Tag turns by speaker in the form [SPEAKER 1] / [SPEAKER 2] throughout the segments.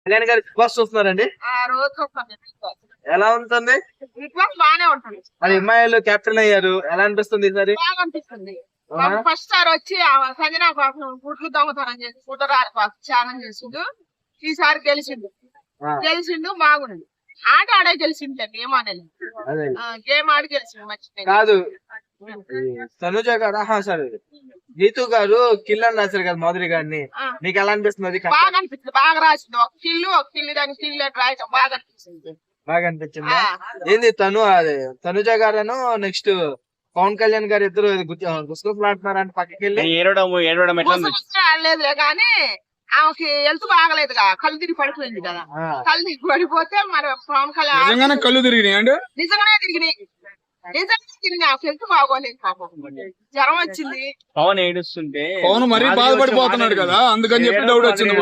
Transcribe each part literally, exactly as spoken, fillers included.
[SPEAKER 1] కళ్యాణ్ గారు big boss చూస్తున్నారండి? ఎలా ఉంటుంది?
[SPEAKER 2] బిగ్ బాస్ బాగానే ఉంటుంది.
[SPEAKER 1] మరి అమ్మాయిలు కెప్టెన్ అయ్యారు, ఎలా అనిపిస్తుంది ఈసారి?
[SPEAKER 2] బాగా అనిపిస్తుంది. ఫస్ట్ సార్ వచ్చి సంజనా కోసం గుడ్లు దొంగతనం చేసి గుడ్డరారు కోసం ఛాలెంజ్ చేసిండు. ఈసారి గెలిచిండు గెలిచిండు బాగుంది. ఆట ఆడే గెలిచిండు. గేమ్ ఆడలేదు, గేమ్ ఆడి గెలిచిండు. మంచి
[SPEAKER 1] కాదు తనుజ గారు, సరే గీతు గారు కిల్ అని రాశారు కదా మాధురి గారిని, మీకు ఎలా అనిపిస్తుంది?
[SPEAKER 2] బాగా అనిపిస్తుంది. బాగా రాసింది. ఒక కిల్లు ఒక కిల్లు దాని కిల్లు రాయటం బాగా అనిపిస్తుంది.
[SPEAKER 1] బాగా అనిపించింది. ఏంది తను అదే తనుజ గారు నెక్స్ట్ పవన్ కళ్యాణ్ గారు ఇద్దరు గుసుగులాడుతున్నారంటే పక్కకి వెళ్ళి
[SPEAKER 2] లేదులే కానీ ఆమెకి హెల్త్ బాగలేదుగా, కళ్ళు తిరిగి పడిపోయింది కదా. కళ్ళు తిరిగి పడిపోతే మరి పవన్ కళ్యాణ్
[SPEAKER 3] కళ్ళు తిరిగినాయి అండి.
[SPEAKER 2] నిజంగానే తిరిగినాయి. నిజంగా తిరిగి ఆమె హెల్త్ బాగోలేదు. పాపం జ్వరం వచ్చింది.
[SPEAKER 4] పవన్ ఏడుస్తుంటే
[SPEAKER 3] పవన్ మరీ బాధపడిపోతున్నాడు కదా, అందుకని చెప్పి డౌట్ వచ్చింది.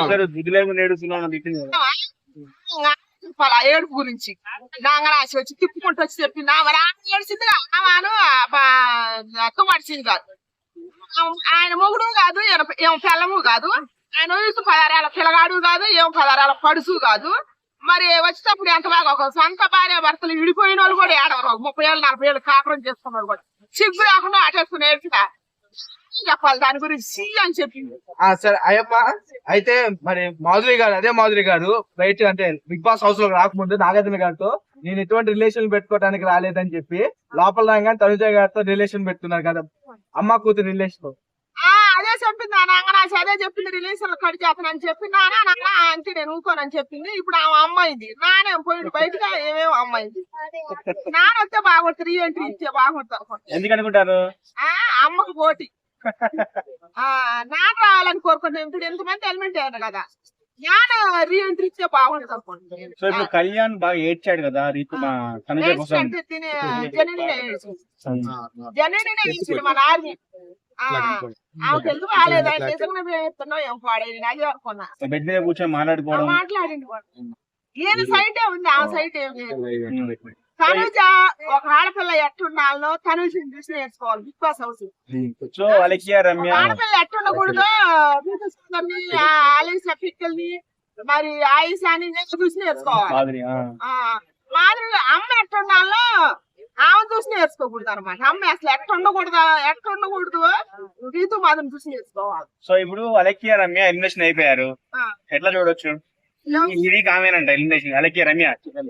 [SPEAKER 2] ఏడుపు గురించి నాంగరాశి వచ్చి తిప్పుకుంటూ వచ్చి చెప్పింది. మరి ఏడిచింది ఆమెను అక్క మడిచింది కాదు. ఆయన మొగుడు కాదు, ఏం పిల్లము కాదు. ఆయన వయసు పదారేళ్ళ పిల్లగాడు కాదు, ఏం పదారేళ్ళ పడుసు కాదు. మరి వచ్చేటప్పుడు ఎంత బాగా ఒక సొంత భార్య భర్తలు విడిపోయిన వాళ్ళు కూడా ఏడవరు. ముప్పై ఏళ్ళు నలభై ఏళ్ళు కాపురం చేసుకున్నారు కూడా సిగ్గు రాకుండా ఆటేసుకుని ఏడ్చినా చెప్పాలి దాని గురించి అని చెప్పింది.
[SPEAKER 1] సరే అయ్యప్ప, అయితే మరి మాధురి గారు అదే మాధురి గారు బయట అంటే బిగ్ బాస్ హౌస్ లో రాకముందు నాగార్జున గారితో నేను ఎటువంటి రిలేషన్ పెట్టుకోవడానికి రాలేదని చెప్పి లోపల రాగానే తనుజ గారితో రిలేషన్ పెట్టుకున్నారు కదా, అమ్మ కూతురు రిలేషన్.
[SPEAKER 2] అదే చెప్పింది నాంగరాశి, అదే చెప్పింది. రిలేషన్ కట్ చేస్తానని చెప్పింది. నానా అంటే నేను ఊకోనని చెప్పింది. ఇప్పుడు ఆమె అమ్మాయింది. నానే పోయింది బయటగా ఏమేమో అమ్మాయింది. నాన్న వస్తే బాగుంటుంది, రీ ఎంట్రీ ఇస్తే బాగుంటుంది.
[SPEAKER 4] ఎందుకనుకుంటారు?
[SPEAKER 2] అమ్మకు పోటీ. ఆ నాన్న రావాలని కోరుకుంటాం. ఇప్పుడు ఎంతమంది ఎలిమెంట్ అయ్యారు కదా, నాన్న రీ ఎంట్రీ ఇస్తే బాగుంటుంది అనుకుంటుంది.
[SPEAKER 4] సో ఇప్పుడు కళ్యాణ్ బాగా ఏడ్చాడు కదా రీతు
[SPEAKER 2] జనని ఇచ్చింది మన ఆర్మీ. ఆమెకు ఎందుకు రాలేదు? నిజంగా ఏం పాడేది అది అనుకున్నా.
[SPEAKER 4] బెడ్ మీద కూర్చొని మాట్లాడుకోవడం
[SPEAKER 2] మాట్లాడింది. ఈయన సైటే ఉంది, ఆ సైట్ ఏం లేదు. తనుజ ఒక ఆడపిల్ల ఎట్టుండాలో తనుజని చూసి నేర్చుకోవాలి Big Boss house.
[SPEAKER 4] So Alexia Ramya
[SPEAKER 2] ఆడపిల్ల ఎట్టుండకూడదు, ఆలీసా పిక్కల్ని మరి ఆయిషాని చూసి నేర్చుకోవాలి. మాదిరి అమ్మ ఎట్టుండాలో ఆమె చూసి నేర్చుకోకూడదు అనమాట. అమ్మ అసలు ఎట్ట ఉండకూడదు ఎట్ట ఉండకూడదు రీతు మాదిరి చూసి నేర్చుకోవాలి.
[SPEAKER 4] సో ఇప్పుడు అలెక్సియా రమ్య ఎలిమినేషన్ అయిపోయారు, ఎట్లా చూడొచ్చు? ఇది కామేనంట ఎలిమినేషన్. అలెక్సియా రమ్య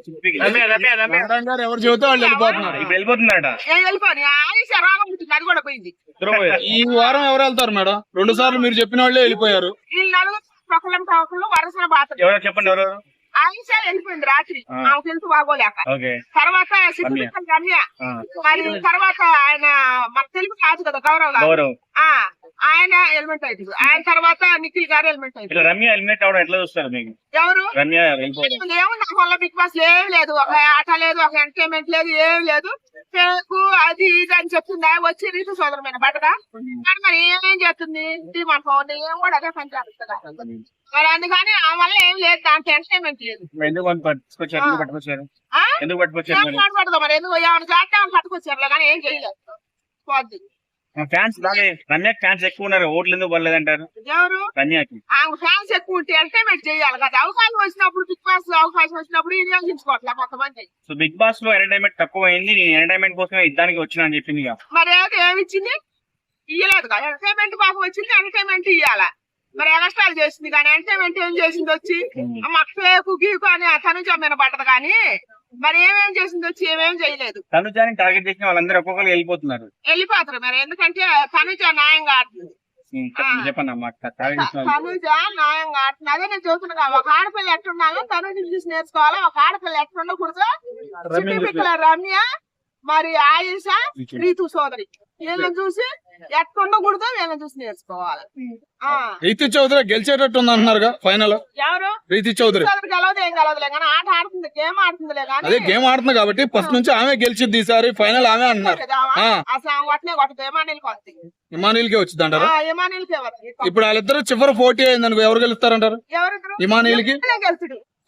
[SPEAKER 3] ఎవరు చెబితే వాళ్ళు వెళ్ళిపోతున్నారు.
[SPEAKER 4] ఇప్పుడు వెళ్ళిపోతున్నారట.
[SPEAKER 2] వెళ్ళిపోయి ఆయిషా రాగం పుట్టింది, అది కూడా పోయింది.
[SPEAKER 3] ఈ వారం ఎవరు వెళ్తారు మేడం? రెండు సార్లు మీరు చెప్పిన వాళ్ళే వెళ్ళిపోయారు.
[SPEAKER 2] వీళ్ళు నలుగురు ప్రకలం ప్రకలు వరుసన బాత.
[SPEAKER 4] ఎవరో చెప్పండి ఎవరు?
[SPEAKER 2] ఆయిషా వెళ్ళిపోయింది రాత్రి, ఆమెకు హెల్త్ బాగోలేక. తర్వాత రమ్య, మరి తర్వాత ఆయన మన తెలుగు కాదు కదా గౌరవ్ గారు, ఆయన ఎలిమెంట్ అవుతుంది. ఆయన తర్వాత నిఖిల్ గారు ఎలిమెంట్ అవుతుంది.
[SPEAKER 4] రమ్య ఎలిమినేట్ అవడం ఎట్లా చూస్తారు మీకు?
[SPEAKER 2] ఎవరు?
[SPEAKER 4] రమ్య
[SPEAKER 2] ఏమో నాకు వల్ల బిగ్ బాస్ ఏం లేదు, ఒక ఆట లేదు, ఒక ఎంటర్టైన్మెంట్ లేదు, ఏం లేదు. పేకు అది ఇది అని చెప్తుంది. వచ్చి రీతు సోదరమైన బట్టగా కానీ మరి ఏమేం చేస్తుంది మన ఫోన్ ఏం కూడా అదే పని చేస్తుంది. మరి అందుకని ఆ వల్ల ఏం లేదు, దాంట్లో ఎంటర్టైన్మెంట్ లేదు.
[SPEAKER 4] ఎందుకు పట్టుకొచ్చారు? ఎందుకు పట్టుకొచ్చారు?
[SPEAKER 2] మాట్లాడదాం మరి ఎందుకు ఏమైనా చేస్తామని పట్టుకొచ్చారు కానీ ఏం చేయలేదు. పోద్ది.
[SPEAKER 4] ఫ్యాన్స్ బాగా రమ్య ఫ్యాన్స్ ఎక్కువ ఉన్నారు, ఓట్లు ఎందుకు పడలేదంటారు?
[SPEAKER 2] ఎవరు?
[SPEAKER 4] రమ్యకి
[SPEAKER 2] ఆమె ఫ్యాన్స్ ఎక్కువ ఉంటే ఎంటర్టైన్మెంట్ చేయాలి కదా. అవకాశం వచ్చినప్పుడు బిగ్ బాస్ లో అవకాశం వచ్చినప్పుడు వినియోగించుకోవట్లే కొంతమంది.
[SPEAKER 4] సో బిగ్ బాస్ లో ఎంటర్టైన్మెంట్ తక్కువ అయింది, నేను ఎంటర్టైన్మెంట్ కోసమే ఇద్దానికి వచ్చినా అని చెప్పింది.
[SPEAKER 2] మరి ఏమి ఇచ్చింది? ఇయ్యలేదు కదా. ఎంటర్టైన్మెంట్ బాగా వచ్చింది, ఎంటర్టైన్మెంట్ ఇయ్యాల. మరి ఎగస్ట్రాలు చేసింది కానీ ఎంటర్టైన్మెంట్ ఏం చేసింది వచ్చి మాకు ఫేకు గీకు అని తను జమ్మిన పడ్డది కానీ మరి ఏమేం చేసింది వచ్చి ఏమేం చేయలేదు.
[SPEAKER 4] తనుజాని టార్గెట్ చేసిన వాళ్ళందరూ ఒక్కొక్కరు వెళ్ళిపోతున్నారు
[SPEAKER 2] వెళ్ళిపోతారు మరి ఎందుకంటే తనుజ న్యాయంగా ఆడుతుంది.
[SPEAKER 4] చెప్పండి అమ్మా.
[SPEAKER 2] తనుజ న్యాయంగా ఆడుతుంది. అదే నేను చూస్తున్నా. ఒక ఆడపిల్ల ఎట్టుండాలో తనుజ చూసి నేర్చుకోవాలి. ఒక ఆడపిల్ల ఎట్టుండకూడదు. చిట్టి రమ్య మరి ఆయుష రీతు సోదరి వీళ్ళని చూసి ఎట్టుండకూడదు, వీళ్ళని చూసి నేర్చుకోవాలి.
[SPEAKER 3] రీతి చౌదరి గెలిచేటట్టు ఉంది అంటున్నారు ఫైనల్.
[SPEAKER 2] ఎవరు?
[SPEAKER 3] రీతి చౌదరి
[SPEAKER 2] గెలవదు ఏం గెలవదులే కానీ ఆట ఆడుతుంది, గేమ్ ఆడుతుందిలే కానీ.
[SPEAKER 3] అదే గేమ్ ఆడుతుంది కాబట్టి ఫస్ట్ నుంచి ఆమె గెలిచిద్ది, ఈసారి ఫైనల్ ఆమె అంటున్నారు.
[SPEAKER 2] అసలు ఆమె కొట్టనే కొట్టదు, ఏమానీలకి వస్తుంది.
[SPEAKER 3] ఇమానీలకే వచ్చింది అంటారు.
[SPEAKER 2] ఏమానీలకే వస్తుంది.
[SPEAKER 3] ఇప్పుడు వాళ్ళిద్దరు చివరి పోటీ అయింది అనుకో, ఎవరు గెలుస్తారంటారు?
[SPEAKER 2] ఎవరిద్దరు?
[SPEAKER 3] ఇమానీలకి
[SPEAKER 2] గెలుచుడు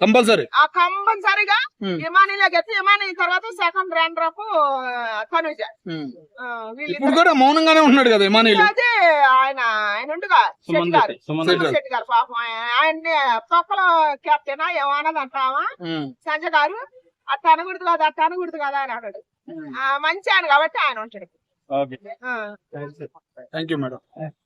[SPEAKER 3] కంపల్సరీ.
[SPEAKER 2] ఆ కంపల్సరిగా
[SPEAKER 3] ఉమ్.
[SPEAKER 2] ఇమానీలో గెలిచి ఇమానీ తర్వాత second runner up Tanuja
[SPEAKER 3] um.
[SPEAKER 2] ఆ,
[SPEAKER 3] ఇప్పుడు
[SPEAKER 2] వీళ్ళిద్దరు
[SPEAKER 3] కూడా మౌనంగానే ఉన్నాడు కదా ఇమానీలు.
[SPEAKER 2] అదే ఆయన ఆయన ఉండుగా శెట్టి గారు
[SPEAKER 3] శెట్టి.
[SPEAKER 2] శెట్టి గారు పాపం ఆయన- ఆయన్ని తొక్కలో కెప్టెనా ఏమన్నది అంటావా
[SPEAKER 3] ఉమ్.
[SPEAKER 2] సంజయ్ గారు అట్ట అనకూడదు కదా అట్ట అనకూడదు కదా అని అన్నాడు. ఆ, మంచి ఆయన కాబట్టి ఆయన ఉంటాడు.
[SPEAKER 4] ఓకే
[SPEAKER 2] ఆ.
[SPEAKER 3] Thank you madam.